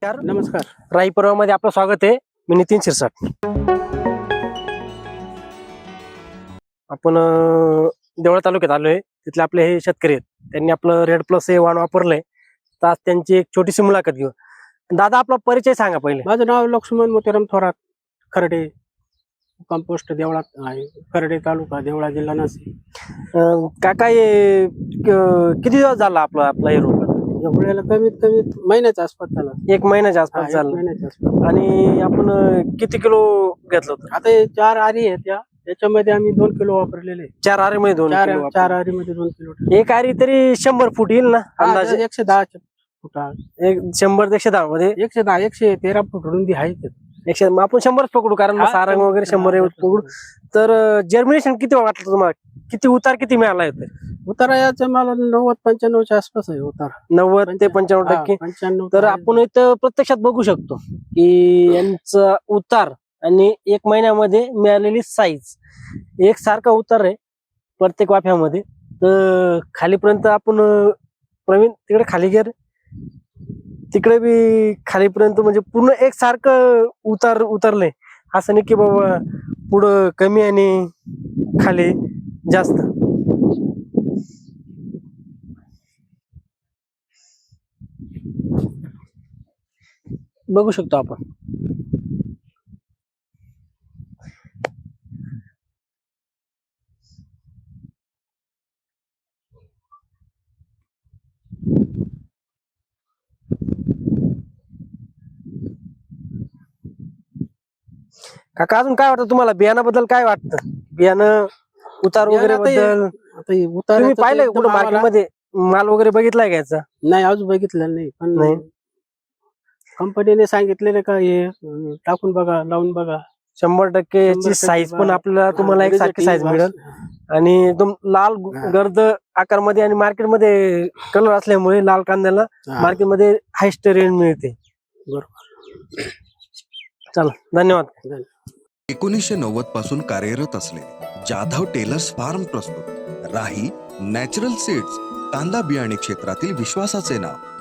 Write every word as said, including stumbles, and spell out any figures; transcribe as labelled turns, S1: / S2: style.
S1: नमस्कार.
S2: नमस्कार.
S1: राई पर्वामध्ये आपलं स्वागत आहे. मी नितीन शिरसाट. आपण अं, देवळा तालुक्यात आलोय. तिथले आपले हे शेतकरी आहेत. त्यांनी आपलं रेड प्लस हे वाण वापरलंय. तर आज त्यांची एक छोटीशी मुलाखत घेऊ. दादा, आपला परिचय सांगा पहिले.
S2: माझं नाव लक्ष्मण मोतीराम थोरात, खर्डे, कंपोस्ट देवळा आहे, खर्डे तालुका, देवळा, जिल्हा नाशिक.
S1: अं, काका हे क- किती दिवस झाला आपला आपला हे रोप?
S2: एवढ्याला कमीत कमी महिन्याच्या आसपास झाला.
S1: एक महिन्याच्या
S2: हा,
S1: आसपास
S2: एक
S1: झाला.
S2: महिन्याच्या आसपास.
S1: आणि आपण अं, किती किलो घेतलं होतं?
S2: आता हे चार आरी आहेत या याच्यामध्ये आम्ही दोन किलो वापरलेले.
S1: चार आरे मध्ये दोन
S2: चार
S1: किलो वापरले.
S2: चार आरी मध्ये दोन किलो.
S1: एक आरी तरी शंभर फूट येईल ना
S2: हा,
S1: अंदाजे?
S2: एकशे दहा फुटा,
S1: एक शंभर ते एकशे दहा मध्ये
S2: एकशे दहा एकशे तेरा फूट रुंदी आहे ते.
S1: एकशे मग आपण शंभरच पकडू, कारण मग
S2: हा,
S1: सारंग वगैरे शंभर एवढं पकडू. तर जर्मिनेशन किती वाटलं तुम्हाला? किती उतार किती मिळाला होते?
S2: उतारा याचा मला नव्वद पंच्याण्णवच्या आसपास आहे उतारा.
S1: नव्वद ते पंच्याण्णव
S2: हा,
S1: टक्के.
S2: पंच्याण्णव.
S1: तर आपण इथं प्रत्यक्षात बघू शकतो की यांचा उतार आणि एक महिन्यामध्ये मिळालेली साईज एक सारखा उतार आहे प्रत्येक वाफ्यामध्ये. तर खालीपर्यंत आपण अं, प्रवीण तिकडे खाली गेर, तिकडे बी खालीपर्यंत म्हणजे पूर्ण एक सारखं उतार उतरले. असं नाही की बाबा पुढं कमी आणि खाली जास्त. बघू शकतो आपण. काका, अजून काय वाटतं तुम्हाला? बियाणाबद्दल काय वाटतं? बियाणं उतार वगैरे
S2: बियाणं आता
S1: बद्दल
S2: आता हे उतारा
S1: तुम्ही
S2: तर
S1: पाहिलंय
S2: एकदम
S1: कुठं
S2: आम्हाला-
S1: मार्केटमध्ये माल वगैरे बघितलाय का याचा?
S2: नाही, अजून बघितलं नाही. पण
S1: नाही.
S2: कंपनीने सांगितलेलं का हे अं, टाकून बघा, लावून बघा.
S1: शंभर टक्के
S2: शंभर
S1: याची
S2: टक्के
S1: साईज पण
S2: बा-
S1: आपल्याला तुम्हाला
S2: हा,
S1: एक सारखी
S2: result
S1: साईज
S2: येईल
S1: मिळेल.
S2: बा-
S1: आणि एकदम लाल
S2: हा.
S1: गर्द आकारमध्ये आणि मार्केटमध्ये कलर असल्यामुळे लाल कांद्याला
S2: हा,
S1: मार्केटमध्ये हायस्ट रेंज मिळते.
S2: बरोबर.
S1: चला, धन्यवाद.
S3: एकोणीसशे नव्वद पासून कार्यरत असलेले जाधव टेलर्स फार्म प्रस्तुत राही नॅचरल सीड्स, कांदा बियाणे क्षेत्रातील विश्वासाचे नाव.